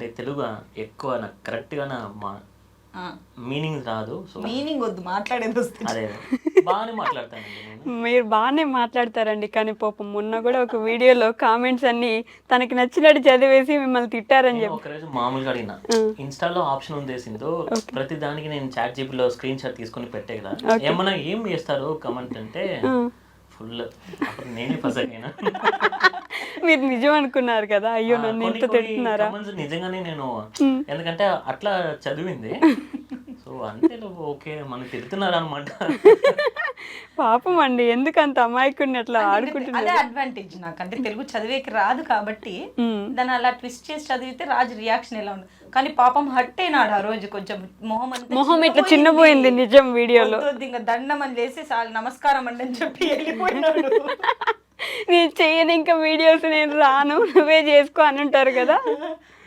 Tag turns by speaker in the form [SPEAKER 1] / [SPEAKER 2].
[SPEAKER 1] తెలుగు ఎక్కువ నాకు కరెక్ట్గా మా మీనింగ్ రాదు. సో
[SPEAKER 2] మీనింగ్ వద్దు, మాట్లాడేది వస్తుంది.
[SPEAKER 1] అదే బాగానే మాట్లాడతానండి నేను.
[SPEAKER 3] మీరు బాగానే మాట్లాడతారండి, కానీ పాపం మొన్న కూడా ఒక వీడియోలో కామెంట్స్ అన్ని తనకి నచ్చినట్టు చదివేసి మిమ్మల్ని తిట్టారని
[SPEAKER 1] నేను
[SPEAKER 3] చెప్పి.
[SPEAKER 1] ఒకరోజు మామూలుగా అడిగిన, ఇన్స్టాలో ఆప్షన్ ఉంది సింధు, ప్రతి దానికి నేను చాట్ జీపీలో స్క్రీన్ షాట్ తీసుకొని పెట్టే కదా, ఏమన్నా ఏం చేస్తారు కమెంట్ అంటే ఫుల్. అప్పుడు నేనే ఫసైనా.
[SPEAKER 3] మీరు నిజం అనుకున్నారు కదా, అయ్యో నన్ను ఇంత తిడుతున్నారా.
[SPEAKER 1] నిజంగానే నేను ఎందుకంటే అట్లా చదివింది. సో అంతే, ఓకే మనం తిడుతున్నారు అనమాట.
[SPEAKER 3] పాపం అండి, ఎందుకు అంత అమాయకుడిని అట్లా ఆడుకుంటున్నారు.
[SPEAKER 2] అదే అడ్వాంటేజ్ నాకు, అంటే తెలుగు చదివేకి రాదు కాబట్టి దాన్ని అలా ట్విస్ట్ చేసి చదివితే రాజు రియాక్షన్ ఎలా ఉంది. కానీ పాపం హట్ అయినాడు ఆ రోజు, కొంచెం
[SPEAKER 3] మొహం ఇట్లా చిన్నపోయింది నిజం వీడియోలో.
[SPEAKER 2] ఇంకా దండం అని చేసి నమస్కారం అండి అని చెప్పి వెళ్ళిపోయినాడు.
[SPEAKER 3] నేను చెయ్యను ఇంకా వీడియోస్, నేను రాను, నువ్వే చేసుకో అని ఉంటారు కదా.